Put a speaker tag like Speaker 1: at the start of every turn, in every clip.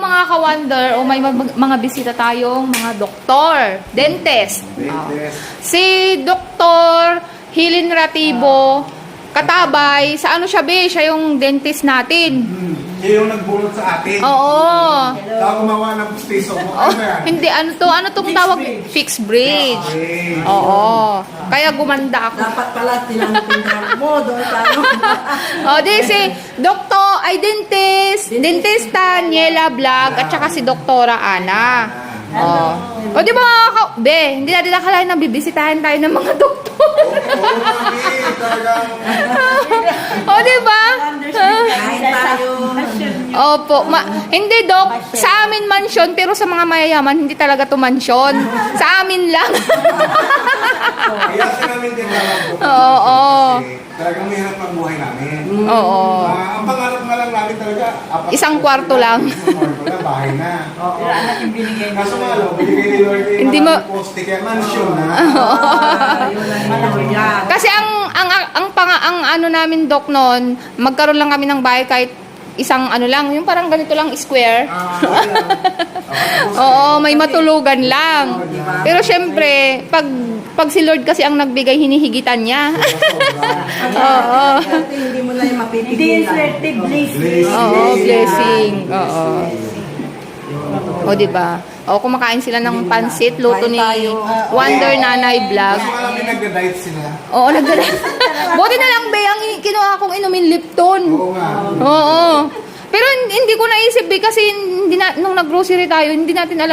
Speaker 1: mga ka-wonder, o may mga bisita tayong mga doktor, dentist. Si Dr. Hilin Ratibo, katabay, sa ano siya be? Siya yung dentist natin.
Speaker 2: Siya yung nagbulot sa atin.
Speaker 1: Oo.
Speaker 2: Saka gumawa ng pustiso mo. Ano yan?
Speaker 1: Hindi, ano tong tawag? Fixed bridge.
Speaker 2: Okay.
Speaker 1: Oo. Kaya gumanda ako.
Speaker 3: Dapat pala tinanong mo doon tayo.
Speaker 1: O, di si Doktor, ay dentista Niela Vlog, at saka si Doktora Ana. O, di ba be, hindi natin nakalain na bibisitahin tayo ng mga doktor.
Speaker 2: Oo, mami. Talagang...
Speaker 1: O, di ba?
Speaker 3: Kahit tayo.
Speaker 1: Opo. Hindi, Dok. Sa amin mansyon, pero sa mga mayayaman, hindi talaga to mansyon. Sa amin lang.
Speaker 2: Kaya sa namin din talagang
Speaker 1: Oo.
Speaker 2: Kasi talagang mahirap ang buhay namin.
Speaker 1: Oo.
Speaker 2: Ang pangarap nga lang namin talaga,
Speaker 1: Isang kwarto lang.
Speaker 2: Isang kwarto lang, bahay na.
Speaker 3: Pero anak yung binigay mo.
Speaker 2: Kaso nga lang, binigay ni Lord yung
Speaker 1: Hindi
Speaker 2: maraming poste, kaya mansion na.
Speaker 3: Yun ang malaki yan.
Speaker 1: Kasi ang ano namin, Dok, noon, magkaroon lang kami ng bahay kahit isang ano lang, yung parang ganito lang, square. Oo, may matulugan lang. Pero syempre, pag si Lord kasi ang nagbigay, hinihigitan niya. Oo.
Speaker 3: Hindi mo na yung mapipigilan.
Speaker 4: Hindi yung swerte, blessing.
Speaker 1: Oo, blessing. Oo. O, diba? O, kumakain sila ng pansit, luto ni Wonder Nanay Vlog.
Speaker 2: Kaso nga lang, may nagda-diet sila.
Speaker 1: Oo, buti na lang, be, ang kinuha kong inumin Lipton.
Speaker 2: Oo nga.
Speaker 1: Oo. Pero hindi ko naisip, be, kasi nung nag-grocery tayo, hindi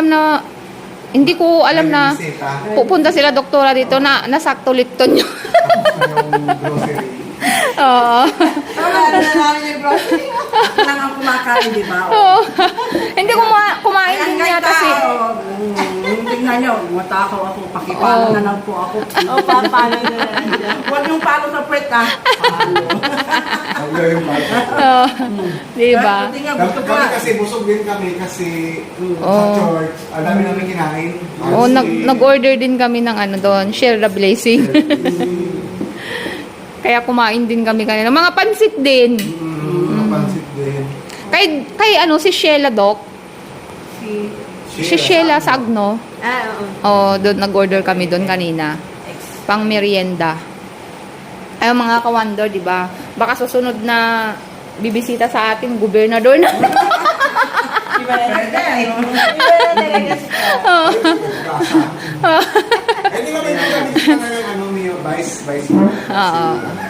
Speaker 1: ko alam na pupunta sila doktora dito na nasakto Lipton yun.
Speaker 2: Yung grocery.
Speaker 1: Oo.
Speaker 3: Wala na namin yung grocery. Lang ang kumakain, di ba?
Speaker 1: Oo. Hindi kumain din
Speaker 3: Kaya
Speaker 1: yata si...
Speaker 3: tingnan nyo, matakaw ako, pakipalo na lang po ako.
Speaker 4: O, papalo na lang siya.
Speaker 3: Huwag yung palo sa puwet, ah. Palo.
Speaker 2: Ang yung bata.
Speaker 1: Oo. Diba?
Speaker 3: Tingnan, gusto ko
Speaker 2: Kami
Speaker 3: na.
Speaker 2: kasi busog din kami kasi
Speaker 1: Oo.
Speaker 2: sa church, ang dami namin kinain.
Speaker 1: Oo, nag-order din kami ng ano doon, share the blessing. Kaya kumain din kami kanina. Mga pansit din.
Speaker 2: Pansit din.
Speaker 1: Kay ano, si Sheila, Doc. Si Sheila Sagno.
Speaker 4: Oo.
Speaker 1: Doon nag-order kami doon kanina. Pang merienda. Ay, mga ka-wonder, di ba? Baka susunod na bibisita sa atin, gobernador na.
Speaker 4: Iba na talaga siya.
Speaker 2: Eh, di ba may kami ngayon, ano, Mio? Vice.
Speaker 1: Oo.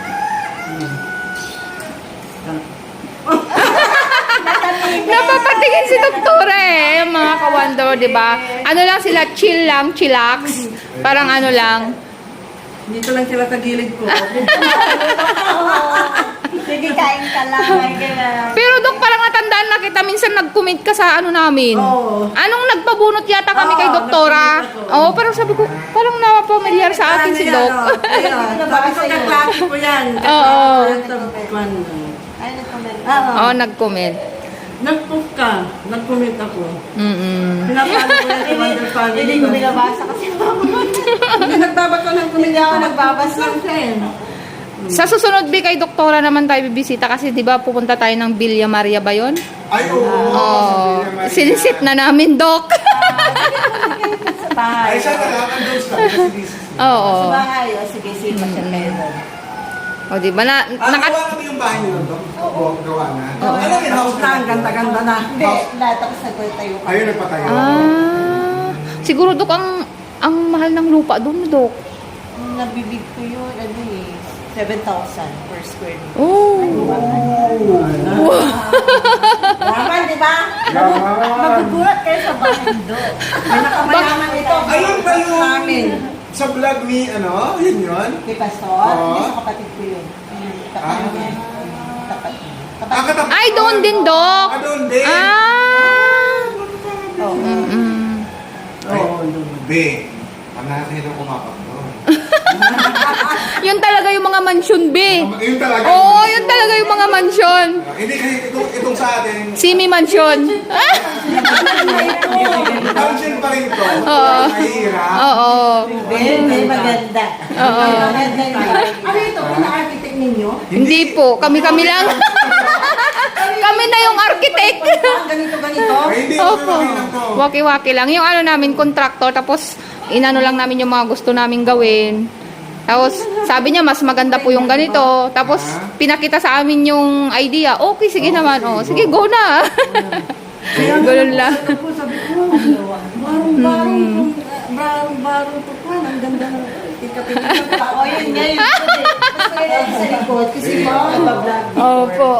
Speaker 1: Napapatingin si doktora eh, yung mga ka-wonder, di ba? Ano lang sila, chill lang, chillax. Parang ano lang.
Speaker 3: Dito lang sila sa gilid ko.
Speaker 4: Sige, kain ka lang. Kain ka lang.
Speaker 1: Pero Dok, parang natandaan na kita, minsan nag-comment ka sa ano namin.
Speaker 3: Oo.
Speaker 1: Anong nagpabunot yata kami kay
Speaker 3: Oo,
Speaker 1: doktora?
Speaker 3: nagpabunot ako.
Speaker 1: Oo, parang sabi ko, parang napapamilyar sa atin si Dok.
Speaker 3: Ayun, sabi ko kaklase ko yan.
Speaker 1: Oo.
Speaker 4: Ay, nag-comment.
Speaker 1: Oo, nag-comment.
Speaker 3: Nag-post ka. Nag-comment ako.
Speaker 1: Mm-mm.
Speaker 3: Pinapalo ko yan sa Wonder Family.
Speaker 4: Hindi ko binabasa kasi
Speaker 3: Hindi nagbabasa ng comment.
Speaker 4: Hindi ako nagbabasa.
Speaker 3: lang siya eh.
Speaker 1: Sa susunod, Bi, kay doktora naman tayo bibisita kasi di ba pupunta tayo ng Villa Maria ba yun?
Speaker 2: Ay, oo.
Speaker 1: Oo. Sinisit na namin, Dok.
Speaker 4: sa bahay.
Speaker 2: Ay, siya talaga, andun sa kasi
Speaker 1: Oo.
Speaker 4: Sa bahay. O, sige, sige, masyal kayo doon.
Speaker 1: O, di ba na,
Speaker 2: gawa kami yung bahay nyo doon. Oo, gawa na. Ano yung house
Speaker 3: Na, ang ganda-ganda na.
Speaker 4: Hindi, lahat ako sagot tayo.
Speaker 2: Ayun, nagpatayo.
Speaker 1: Siguro, Dok, ang mahal ng lupa doon, Dok.
Speaker 4: Nabibig ko yun, ano eh, 7,000 per square meter.
Speaker 1: Oh.
Speaker 3: Yaman, di ba?
Speaker 4: Magugulat kayo sa bahay doon.
Speaker 3: May nakamayaman ito.
Speaker 2: Ayun ba yung
Speaker 3: Namin.
Speaker 2: sa vlog ni, ano, yun?
Speaker 4: Kay Pastor,
Speaker 2: Oo.
Speaker 4: hindi sa kapatid ko yun. Tapat niya. Tapat niya.
Speaker 2: Ah, katapat.
Speaker 1: Ay, doon din, Dok.
Speaker 2: Ah, doon din.
Speaker 4: Oo.
Speaker 2: Oo, be. Ang natin itong kumapak doon.
Speaker 1: Yun talaga yung mga mansyon, be.
Speaker 2: Yun talaga.
Speaker 1: Oo, yun talaga yung mga mansyon.
Speaker 2: Hindi kasi itong sa atin,
Speaker 1: Simi mansyon.
Speaker 2: function pa rin ito.
Speaker 1: Oo.
Speaker 2: Mahirap.
Speaker 1: Oo.
Speaker 4: Very maganda.
Speaker 1: Oo.
Speaker 4: Maganda yung bahay.
Speaker 3: Ano ito? Pina-architect ninyo?
Speaker 1: Hindi po, kami-kami lang.
Speaker 3: Kami
Speaker 1: Kami na yung architect.
Speaker 3: Ganito, ganito.
Speaker 2: Ay, hindi.
Speaker 1: Opo.
Speaker 2: Okay lang to.
Speaker 1: Waki-waki lang. Yung ano namin, contractor, tapos inano lang namin yung mga gusto namin gawin. Tapos sabi niya, mas maganda po yung ganito. Tapos pinakita sa amin yung idea. Okay, sige naman. Oh, sige, go na. Ganun lang.
Speaker 3: Ako sabi ko, barong-barong po po. Ang ganda ng tika-tika.
Speaker 4: Oh, yun nga yun. Mas kaya sa likod kasi nagbablog.
Speaker 1: Opo.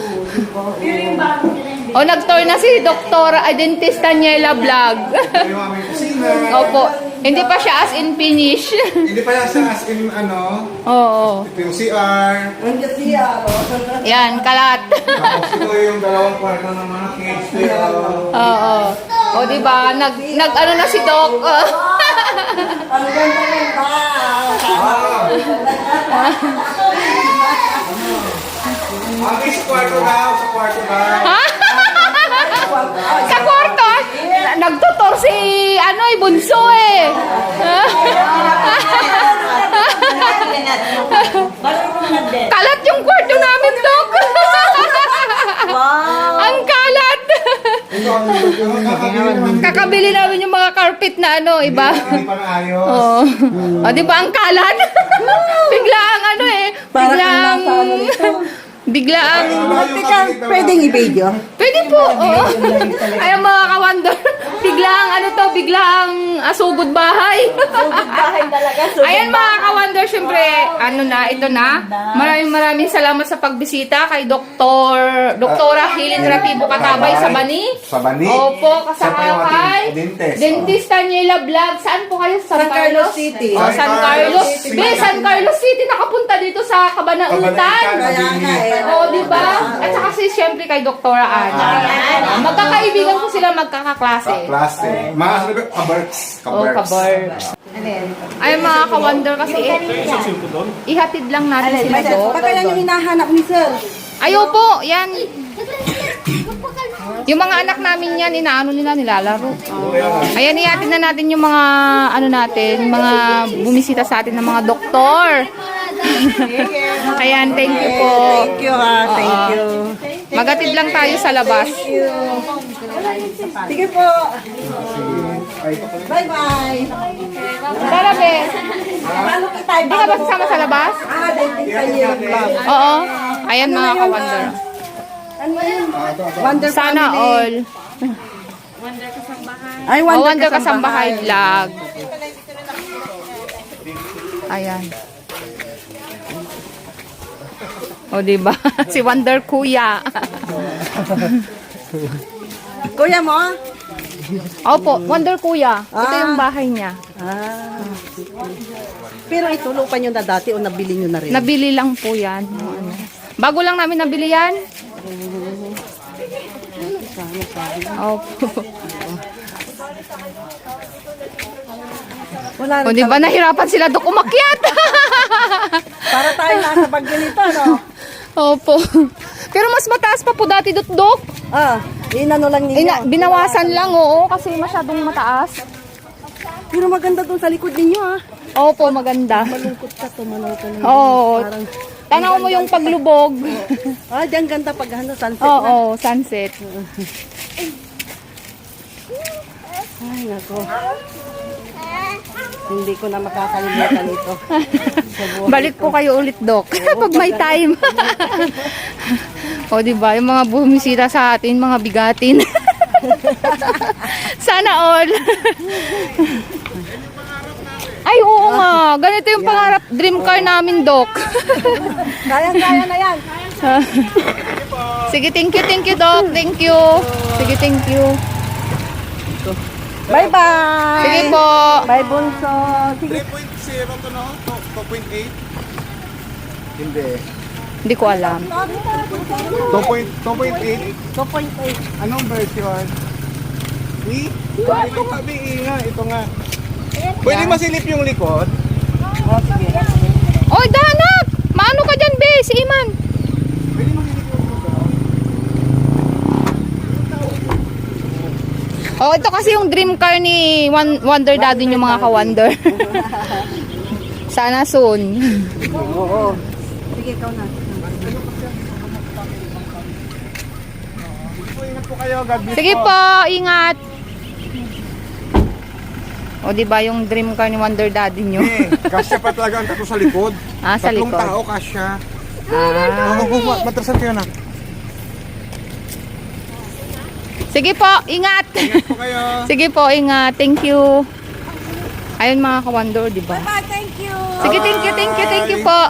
Speaker 1: O, nag-tour na si Dr. Dentist Daniela Vlog.
Speaker 2: Ito yung aming kusina.
Speaker 1: Opo. Hindi pa siya as in finish.
Speaker 2: Hindi pa yan sa as in ano.
Speaker 1: Oo.
Speaker 2: Ito yung CR.
Speaker 3: Ang gasiya.
Speaker 1: Yan, kalat.
Speaker 2: Tapos ito yung dalawang kwarto ng mga kids.
Speaker 1: Oo. O, diba? Nag-ano na si Doc.
Speaker 3: Ang ganda-ganda.
Speaker 2: Mami, sa kwarto daw. Sa kwarto daw.
Speaker 1: Sa kwarto, nagtutor si, Bunso eh. Kalat yung kwarto namin, Doc.
Speaker 4: Wow!
Speaker 1: Ang kalat.
Speaker 2: Ito, ang
Speaker 1: Kakabili namin yung mga carpet na iba.
Speaker 2: Hindi pa naayos.
Speaker 1: Oo. O, di ba ang kalat? Bigla ang
Speaker 3: Parang nasa ano ito.
Speaker 1: bigla ang,
Speaker 3: Teka, pwedeng i-video?
Speaker 1: pwede po, oo. Ay, ang mga ka-wonder, bigla ang bigla ang sugod bahay.
Speaker 4: Bahay talaga.
Speaker 1: Ayan mga ka-wonder, syempre, ito na. Maraming salamat sa pagbisita kay Doktora Helen Ratibo Katabay sa Bani.
Speaker 2: Sa Bani.
Speaker 1: Opo,
Speaker 2: Siya pa
Speaker 1: kasama
Speaker 2: yung
Speaker 1: kay
Speaker 2: ating dentist.
Speaker 1: Dentist Daniela Vlog. Saan po kayo?
Speaker 3: San Carlos City.
Speaker 1: Oh, San Carlos.
Speaker 2: City.
Speaker 1: San Carlos City, nakapunta dito sa Cabanautan.
Speaker 3: Kaya nga eh.
Speaker 1: Oo, di ba? At saka siyempre kay Doktora Ana. Magkakaibigan ko sila, magkakaklase.
Speaker 2: Klase. Mga sabi ko, kabarks.
Speaker 1: Oh, kabarks. Ay, mga ka-wonder kasi ihatid lang natin sila doon.
Speaker 3: Baka yan yung hinahanap ni Sir.
Speaker 1: Ayo po, yan. Yung mga anak namin yan, nilalaro. Ayan, ihatid na natin yung mga, mga bumisita sa atin ng mga doktor. Ayan, thank you po.
Speaker 3: Thank you ha, thank you.
Speaker 1: Magatid lang tayo sa labas.
Speaker 3: Sige po. Bye-bye.
Speaker 1: Tara, be.
Speaker 3: Paano kita
Speaker 1: Di ka ba sasama sa labas?
Speaker 3: Dentist Daniela Vlog.
Speaker 1: Oo. Ayan, mga ka-wonder.
Speaker 3: Ano yun? Wonder
Speaker 1: Sana
Speaker 3: Family.
Speaker 1: all.
Speaker 3: Ay,
Speaker 1: Oh, Wonder Kasambahay Vlog. Ayan. O, diba? Si Wonder Kuya.
Speaker 3: Kuya mo?
Speaker 1: Opo, Wonder Kuya. Ito
Speaker 3: Ah.
Speaker 1: yung bahay niya.
Speaker 3: Pero ito, lupa nyo na dati o nabili nyo na rin?
Speaker 1: Nabili lang po yan. Bago lang namin nabili yan. Opo.
Speaker 3: Wala
Speaker 1: O, diba? Nahirapan sila doon umakyat.
Speaker 3: Para tayo nasa bagyo nito, no?
Speaker 1: Opo. Pero mas mataas pa po dati, Dok.
Speaker 3: Inano lang ninyo.
Speaker 1: Binawasan lang, oo, kasi masyadong mataas.
Speaker 3: Pero maganda dun sa likod ninyo, ha?
Speaker 1: Opo, maganda.
Speaker 3: Malungkot ka, tumanaw ka ninyo.
Speaker 1: Oo.
Speaker 3: Parang,
Speaker 1: Tanaw mo yung paglubog.
Speaker 3: diyan ganda pag sunset na.
Speaker 1: Oo, sunset.
Speaker 3: Ay, nako. Hindi ko na makakalimutan ito. Sa buhay
Speaker 1: Balik
Speaker 3: ko.
Speaker 1: po kayo ulit, Dok. Pag may time. O, diba? Yung mga bumisita sa atin, mga bigatin. Sana all. Ay, oo nga. Ganito yung pangarap, dream car namin, Dok.
Speaker 3: Kaya na yan.
Speaker 1: Sige, thank you, Dok. Thank you. Sige, thank you.
Speaker 3: Bye-bye.
Speaker 1: Sige po.
Speaker 3: Bye, Bunso. Sige.
Speaker 2: 3.0 to no? 2.8? Hindi.
Speaker 1: Hindi ko alam.
Speaker 2: 2.8?
Speaker 3: 2.8.
Speaker 2: Anong version? Ito sabi nga, ito nga. Pwede masilip yung likod?
Speaker 1: Oy, dahanap! Maano ka dyan, be? Si Iman.
Speaker 2: Pwede masilip yung likod?
Speaker 1: Oh, ito kasi yung dream car ni Wonder Daddy yung mga ka-wonder. Sana soon.
Speaker 3: Oo. Sige, ikaw na.
Speaker 5: kayo. God bless
Speaker 1: Sige po, ingat. O, di ba yung dream car ni Wonder Daddy nyo?
Speaker 5: Kasya pa talaga ang tatlo sa likod.
Speaker 1: Ah, sa
Speaker 5: Tatlong
Speaker 1: likod.
Speaker 5: tao kasya.
Speaker 1: Ah.
Speaker 5: Matrasan kayo na.
Speaker 1: Sige po, ingat.
Speaker 5: Ingat po kayo.
Speaker 1: Sige po, ingat. Thank you. Ayun mga ka-wonder, di ba?
Speaker 4: Bye, thank you.
Speaker 1: Sige, thank you po.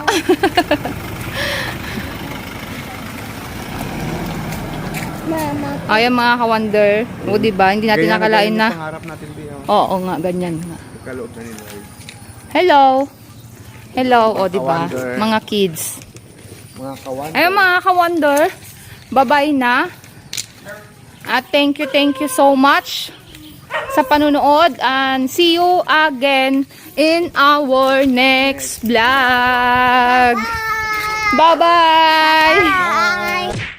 Speaker 1: Ayun mga ka-wonder. O, di ba? Hindi natin nakalain na.
Speaker 5: Pangarap natin di.
Speaker 1: Oo nga, ganyan nga.
Speaker 5: Kaloob na nila.
Speaker 1: Hello. Hello, o, di ba?
Speaker 5: Ka-wonder.
Speaker 1: Mga kids.
Speaker 5: Mga kawan.
Speaker 1: Ayun mga ka-wonder. Bye-bye na. At thank you so much sa panunood and see you again in our next vlog. Bye-bye!
Speaker 5: Bye.